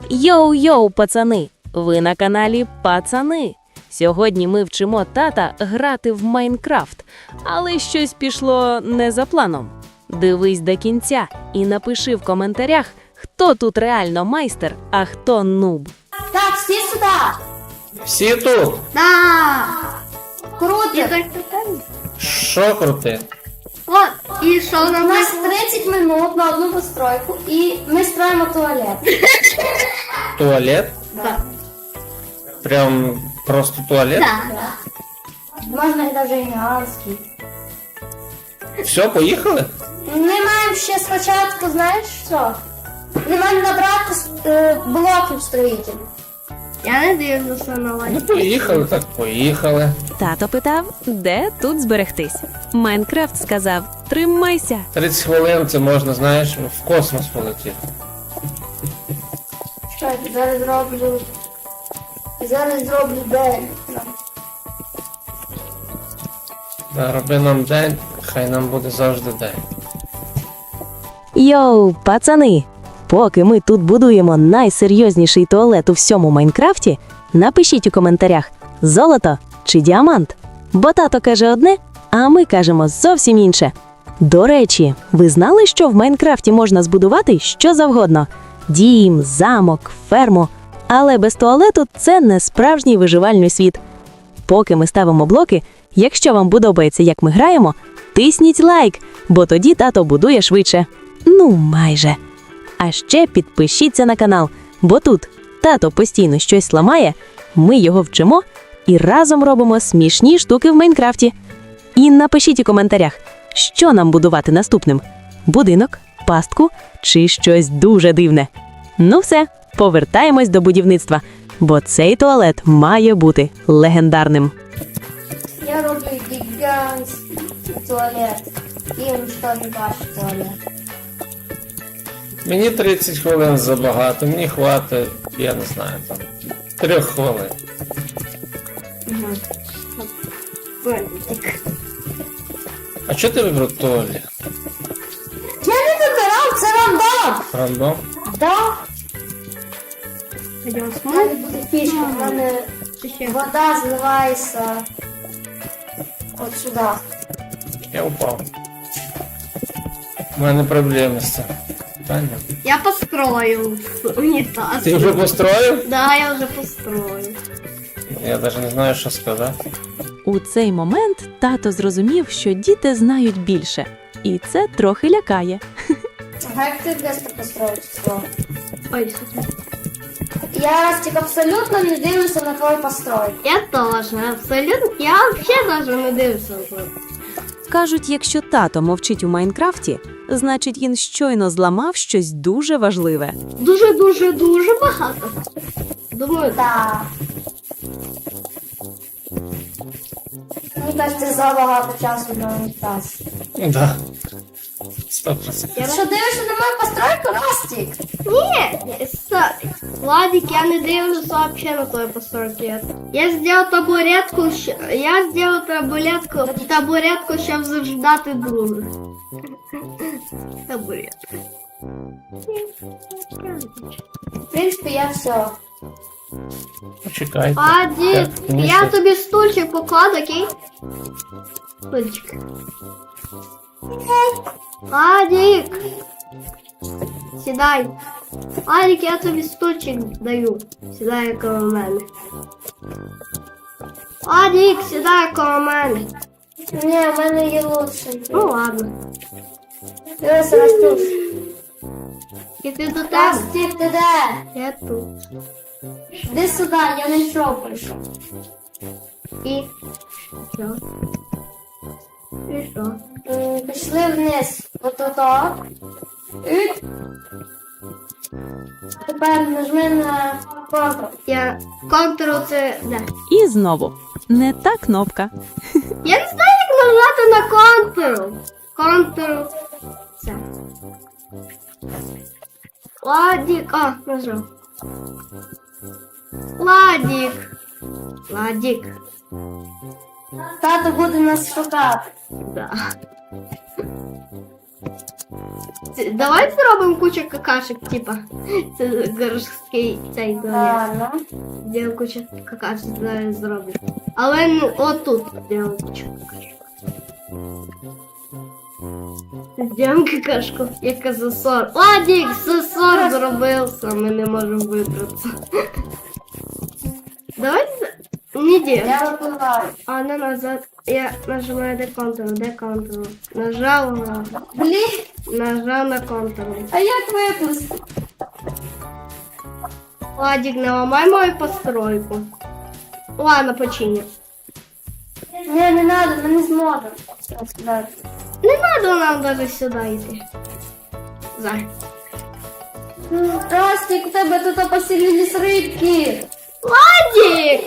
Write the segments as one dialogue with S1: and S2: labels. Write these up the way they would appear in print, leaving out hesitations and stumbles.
S1: Йоу-йоу, пацани! Ви на каналі Пацани. Сьогодні ми вчимо тата грати в Майнкрафт, але щось пішло не за планом. Дивись до кінця і напиши в коментарях, хто тут реально майстер, а хто нуб.
S2: Так, всі сюди.
S3: Всі тут?
S2: Да. Круто.
S3: Що крути?
S2: От, і що у нас 30 минут на одну постройку, і ми строїмо туалет.
S3: Туалет?
S2: Да.
S3: Прям просто туалет?
S2: Можна і навіть гігантський.
S3: Все, поїхали?
S2: Ми маємо ще спочатку, знаєш що? Ми маємо набрати блоків строїтелів. Я не дивлюся на вас.
S3: Ну поїхали, так поїхали.
S1: Тато питав, де тут зберегтись. Майнкрафт сказав, тримайся.
S3: 30 хвилин це можна, знаєш, в космос полетіти.
S2: Що я зараз зроблю день.
S3: Да, роби нам день, хай нам буде завжди день.
S1: Йоу, пацани! Поки ми тут будуємо найсерйозніший туалет у всьому Майнкрафті, напишіть у коментарях, золото чи діамант. Бо тато каже одне, а ми кажемо зовсім інше. До речі, ви знали, що в Майнкрафті можна збудувати що завгодно? Дім, замок, ферму. Але без туалету це не справжній виживальний світ. Поки ми ставимо блоки, якщо вам подобається, як ми граємо, тисніть лайк, бо тоді тато будує швидше. Ну, майже. А ще підпишіться на канал, бо тут тато постійно щось ламає, ми його вчимо і разом робимо смішні штуки в Майнкрафті. І напишіть у коментарях, що нам будувати наступним – будинок, пастку чи щось дуже дивне. Ну все, повертаємось до будівництва, бо цей туалет має бути легендарним.
S2: Я роблю гігантський туалет. І уничтожу ваш туалет.
S3: Мені 30 хвилин забагато, мені хватить, я не знаю, там, 3 хвилин. А чого ти вибрав туалет?
S2: Я не вибирав, це рандом.
S3: Рандом?
S2: Да. У мене буде фішка, в мене вода зливається от сюди.
S3: Я упав. У мене проблеми з цим. Питання.
S4: Я построю унитаз.
S3: Ти вже построїв?
S4: Да, я уже построю.
S3: Я навіть не знаю, що сказати.
S1: У цей момент тато зрозумів, що діти знають більше. І це трохи лякає.
S2: А як ти быстро построїш все?
S4: Ой, супер.
S2: Я, Растик, абсолютно не дивлюся на твою постройку.
S4: Я тоже, абсолютно. Я вообще даже не дивлюся.
S1: Кажуть, якщо тато мовчить у Майнкрафті, значить він щойно зламав щось дуже важливе.
S4: Дуже багато. Думаю,
S2: Так. Мені кажется, забагато часу на унітаз.
S3: Да. 100%.
S2: Що дивишся на мою постройку, Растик?
S4: Ні, Владик, я не дивлюся вообще на твою постройку. Я сделал табуретку, табуретку, щоб заждати друга. Табуретка.
S2: В принципі, я все.
S3: Почекайте.
S4: Владик,
S3: Мені
S4: я
S3: що?
S4: тобі стульчик покладу, окей? Стульчик. Владик! Сідай. Владик, я тобі стульчик даю. Сідай коло мене. Владик, сідай коло мене.
S2: Ні, в мене є лучший.
S4: Ну ладно.
S2: Дивися, Растюш.
S4: І ти до тебе?
S2: Растик, ти де?
S4: Я тут.
S2: Іди сюди, я не йшов прийшов.
S4: І що? І що?
S2: Пішли вниз. Отак. І тепер нажми на Ctrl.
S4: Я контур це... Да.
S1: І знову. Не та кнопка.
S4: Я не знаю, як нажати на контур. Контур. Це. Ладик. А, нажав. Ладик. Ладик.
S2: Тато буде нас шукати.
S4: Да. Давай зробимо кучу какашек, типа. Це городський цей туалет.
S2: Ладно.
S4: Де куча какашек зараз зроблю. Але ну, отут зробимо кучу какашек. Зробимо какашку, яка засор. Ладік, засор зробився, ми не можемо вибратися. Давай, не де.
S2: Я випливаю.
S4: А на назад. Я нажимаю де контрол. Нажав на контрол.
S2: А як виплисти?
S4: Ладик, не ламай мою постройку. Ладно, почини.
S2: Ні, не треба, ми не зможемо.
S4: Не надо нам даже сюда йти. Зай.
S2: Ростик, у тебе тут поселились рибки.
S4: Ладик!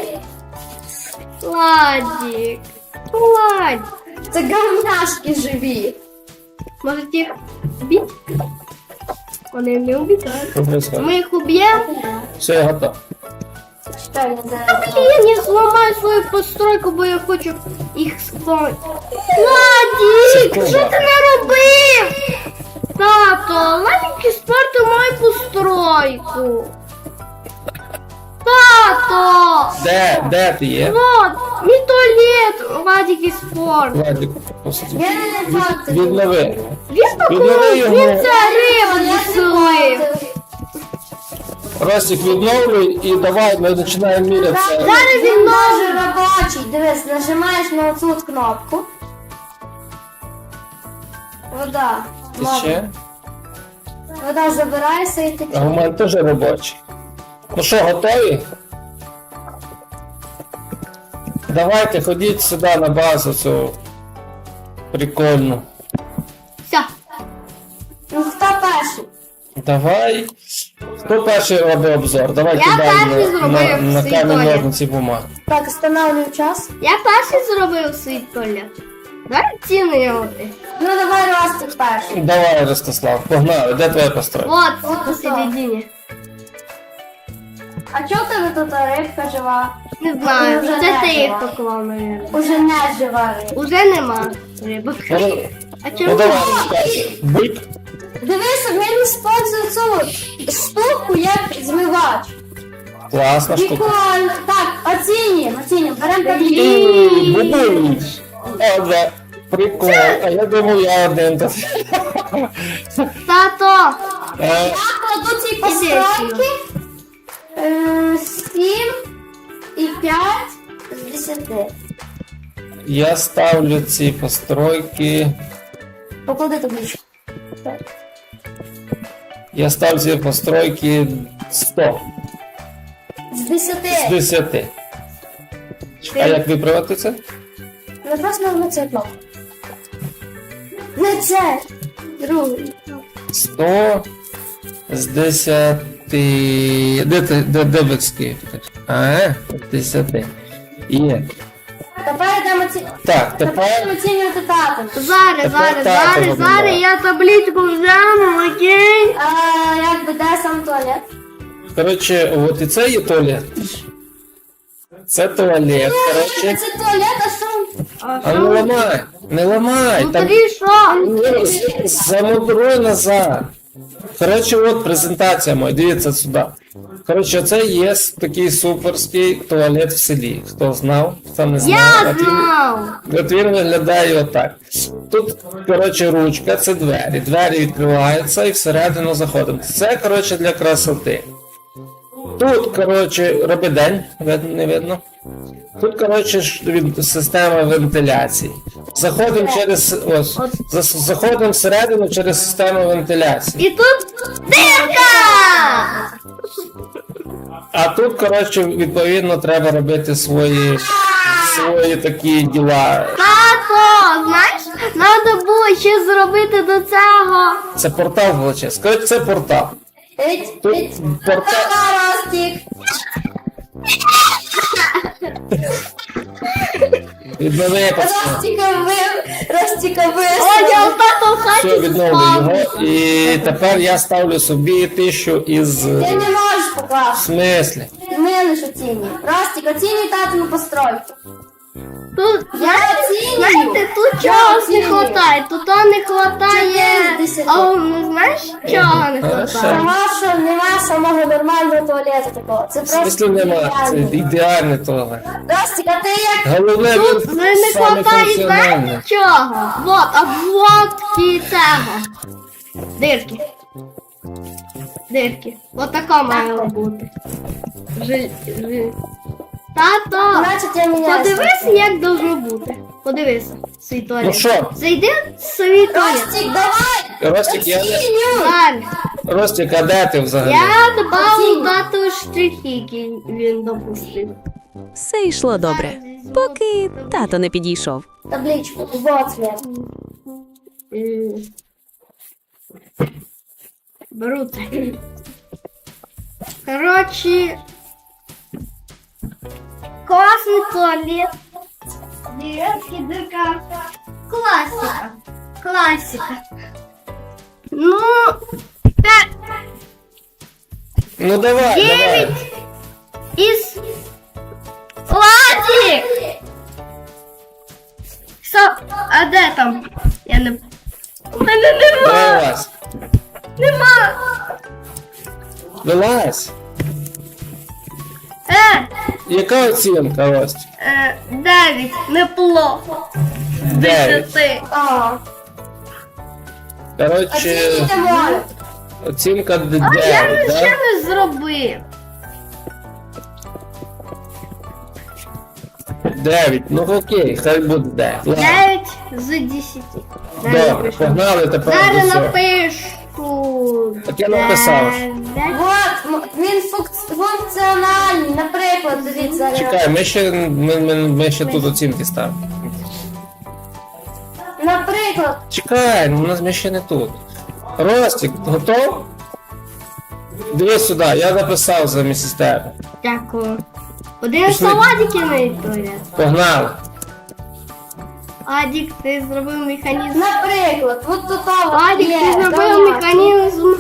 S4: Ладик.
S2: Це говняшки живі.
S4: Может їх бить? Вони не убивають.
S3: Що происходит?
S4: Ми їх уб'ємо?
S3: Все, я готов.
S2: Чекай, не
S4: Я не зламаю свою постройку, бо я хочу їх спати. Ладик,
S3: Секунда.
S4: що ти наробив? Тато, Ладик спортив мою постройку. Тато!
S3: Де ти є?
S4: Вот, мій туалет, Ладик спорт.
S3: Владик, посади.
S2: Я не факт.
S3: Віднови.
S4: Він
S3: Віднови
S4: такий,
S3: його.
S4: він це рибу відселив.
S3: Ростик, відновлюй і давай ми починаємо мірятися.
S4: Зараз він
S2: Ножи робочий. Дивись, нажимаєш на оцю от кнопку. Вода.
S3: Ти ще?
S2: Вода забирається і
S3: А
S2: тече.
S3: у мене теж робочий. Ну що, готові? Давайте ходіть сюди на базу цю прикольну.
S4: Все.
S2: Ну хто перший?
S3: Давай. Хто перший робить обзор? Давай
S4: Я
S3: кидаємо
S4: перший зробив
S3: на
S4: свій
S3: камінь
S4: туалет.
S3: ножниці бумагу.
S2: Так, встановлюю час.
S4: Я перший зробив свій туалет. Давай ціни його.
S2: Ну давай Ростик перший.
S3: Давай, Ростислав, погнали. Де твоя постройка?
S4: Вот, посередині.
S2: А чого в тебе тут рибка жива?
S4: Не знаю,
S2: Уже
S4: це
S2: не
S4: ти їх
S2: жива.
S4: поклав, мабуть.
S2: Уже не жива рибка.
S4: Уже нема рибок.
S3: Ну,
S4: А
S3: ну
S4: чому?
S3: давай, розказуй. Бик.
S2: Дивися, він використовує цю штуку як змивач.
S3: Класна штука.
S2: Прикольно. Так, оцінюємо. Беремо таблі.
S3: Бубуй. О, да. Прикол. А я думав, я один тут.
S4: Тато!
S3: Е,
S2: Я кладу ці постройки 7 і 5 з 10.
S3: Я ставлю ці постройки.
S2: Поклади табличку.
S3: Я ставлю ці постройки 100
S2: З 10.
S3: з 10. А як виправити це?
S2: Ну просто на це кнопку. Не це. Другий.
S3: 100 з 10. Де бицьки? А, 10. Є.
S2: Тепер йдемо
S3: Так, тепер
S2: оцінювати татом.
S4: Зараз,
S3: Тепер тато вибирає.
S4: зараз я табличку взяну, окей?
S2: Як би де сам туалет?
S3: коротше, от і це є туалет. Це туалет, коротше.
S2: Це туалет, а що?
S3: А не ламай, не ламай. Там
S4: Внутрі що?
S3: замудруй назад. Коротше, от презентація моя, дивіться сюди. Коротше, це є такий суперський туалет в селі. Хто знав, хто не знав.
S4: Я
S3: От він-
S4: знав!
S3: От він виглядає отак. Тут, коротше, ручка, це двері. Двері відкриваються і всередину заходимо. Це, коротше, для красоти. Тут, коротше, роби день, не видно. Тут, коротше, система вентиляції. Заходимо через. Ось. Заходимо всередину через систему вентиляції.
S4: І тут дирка!
S3: А тут, коротше, відповідно, треба робити свої такі діла.
S4: Тато, знаєш, треба було ще зробити до цього.
S3: Це портал величезний. Коротше, це портал. Тут портал.
S2: Ростик.
S3: Віднови пацан.
S2: Ростика
S4: Одя, тато в хаті
S3: Все, відновлю
S4: заспав.
S3: його. І тепер я ставлю собі 1000 із.
S2: Ти не можеш
S3: В
S2: покласти.
S3: смислі?
S2: Ми лише оцінюємо. Ростик, оцінюй татину постройку.
S4: Тут,
S2: Я оцінюю.
S4: знаєте, тут
S2: Я
S4: чогось не
S2: оцінюю.
S4: хватає. Тут не хватає.
S2: 4 з 10.
S4: А ну знаєш, чого не
S3: Хорошо.
S4: хватає?
S2: Тому що нема самого нормального туалету такого. Це
S3: В
S2: просто
S3: смислі нема, це
S2: ідеально.
S3: ідеальне того.
S2: Ростик, а ти як?
S3: Головне,
S4: Тут
S3: він
S4: не
S3: саме
S4: хватає,
S3: функціональний.
S4: знаєте, чого? Вот, обводки цього. Дирки. Дирки. Вот така має бути. Тато,
S2: Значить, я міняюся.
S4: подивися, як должно бути. Подивися, свій туалет.
S3: Ну що?
S4: Зайди в свій туалет.
S2: Ростик, давай!
S3: Ростик,
S2: Оцінюй!
S4: Далі.
S3: Ростик, а де ти взагалі?
S4: Я додав дату штрихи, які він допустив.
S1: Все йшло добре, поки тато не підійшов.
S2: Табличку, вот цвет.
S4: Беру це. Короче, классный туалет. Деревский дырка. Классика. Классика. Ну, 5,
S3: Ну давай,
S4: 9
S3: давай.
S4: из... Владик! Что? А де там? Я не... У мене нема!
S3: Вилазь.
S4: Нема!
S3: Вилазь. Яка оцінка, Ростик?
S4: 9, неплохо.
S3: 9.
S4: 10.
S2: Ага.
S3: Коротше,
S2: Оцінюйте море.
S3: оцінка
S4: А
S3: 9,
S4: я ще
S3: да?
S4: не зробив.
S3: 9. Ну окей, хай буде 9. Ладно.
S4: 9 з 10.
S3: Добре, погнали тепер до
S4: Зараз
S3: цього.
S4: напишу.
S3: Так я написав.
S4: 9.
S2: Вот, він функціональний. Наприклад, дивіться.
S3: Чекай, ми ще тут оцінки ставимо.
S2: Наприклад,
S3: Чекай, у нас ми ще не тут. Ростик, готов? Дивись сюди, я написав замість тебе.
S4: Дякую. Один
S3: Пішли.
S4: салатики на туалет.
S3: Погнали.
S4: Адік, ти зробив механізм.
S2: наприклад, от тут
S4: Адік,
S2: є.
S4: ти зробив
S2: давай.
S4: механізм.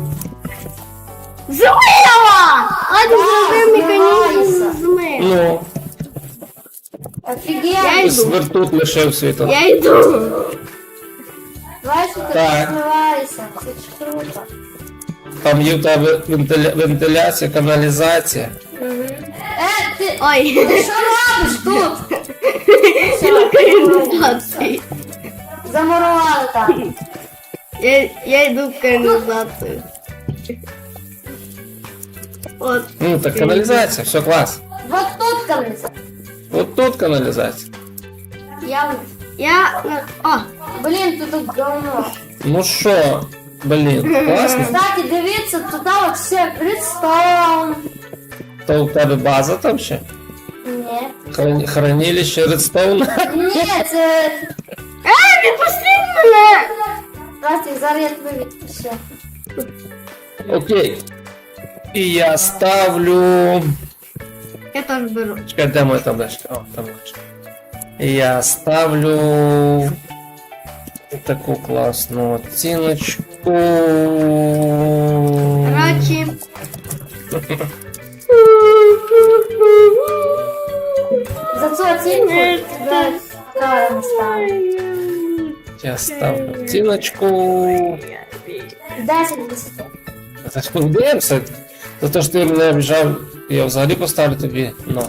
S4: Змила! Адік зробив механізм
S2: змивайся.
S4: змив.
S3: Ну,
S4: Я
S2: Офігенно.
S4: йду.
S3: свертут лишив світло.
S4: Я йду.
S2: Давай, що ти
S3: Так.
S2: змивайся. Це ж круто.
S3: Там є в тебе вентиляція, каналізація.
S2: Ти
S4: Ой.
S2: що робиш тут?
S4: Каналізації.
S2: Замурували там.
S4: Я йду в каналізацію. От.
S3: Ну, так каналізація, все клас.
S2: Вот тут камінця.
S3: От тут каналізація.
S2: Я...
S4: О,
S2: Блін, тут говно.
S3: Ну що, блін, класно.
S2: Кстати, дивіться, туди от все Редстоун.
S3: То у тебе база там ще?
S2: Ні.
S3: Хранилище Редстоуна?
S2: Ні, це...
S4: відпустіть мене!
S2: Растик, зараз я тебе відпущу.
S3: Окей. І я ставлю...
S4: Я теж беру.
S3: Чекай, де моя табличка? О, табличка. І я ставлю... Таку класну оціночку.
S4: Короче.
S2: За цю оцінку тебе правильно ставлю.
S3: Я ставлю оціночку.
S2: 10 з 10.
S3: Це ж подивимося. За те, що ти мене обіжав, я взагалі поставлю тобі. Ну.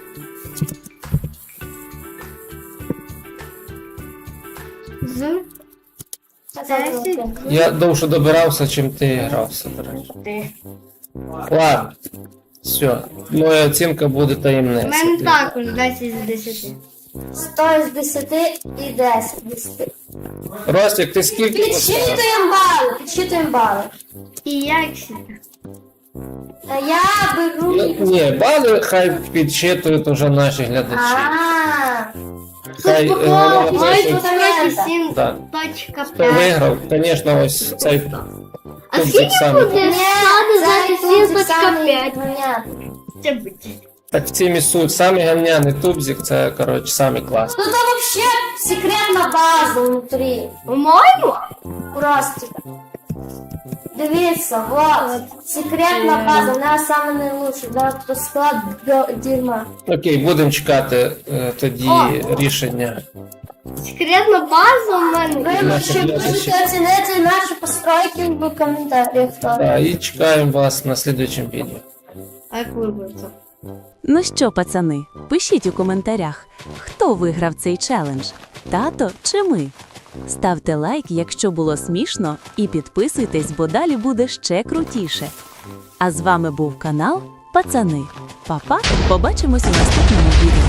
S4: З
S2: Це
S4: 10.
S3: Я довше добирався, чим ти грався, до речі. Ладно. Все. Моя оцінка буде
S4: У
S3: таємниця.
S4: мене також 10 з 10.
S2: 100 з 10 і 10 з 10.
S3: Ростик, ти скільки поставив?
S2: Підсчитуємо бали.
S4: І я всі.
S2: Та я беру...
S3: Ні, бали хай підсчитують уже наші глядачі. Хай
S4: Тут
S3: вони
S4: по
S3: напишуть,
S4: 47
S3: Так.
S4: точка
S3: хто
S4: 5.
S3: виграв. Звісно, ось цей
S4: А
S3: тубзик
S4: скільки
S3: саме.
S4: буде 127.5? Це буде.
S3: Так в цім і суть. Самий гавняний тубзик, це, коротше, самий класний.
S2: Тут вообще секретна база внутрі.
S4: По-моєму?
S2: У Ростика. Дивіться, вот, секретна база, вона саме найлучша, да, то склад дерьма.
S3: Окей, будемо чекати тоді рішення.
S4: Секретна база у мене.
S2: Ви
S3: Наші
S2: ще
S3: глядачі.
S2: можете оцінити наші постройки в коментарях.
S3: Так, і чекаємо вас на слідуючому відео.
S4: А як вибереться?
S1: Ну що, пацани, пишіть у коментарях, хто виграв цей челендж, тато чи ми? Ставте лайк, якщо було смішно, і підписуйтесь, бо далі буде ще крутіше. А з вами був канал Пацани. Па-па, побачимось у наступному відео.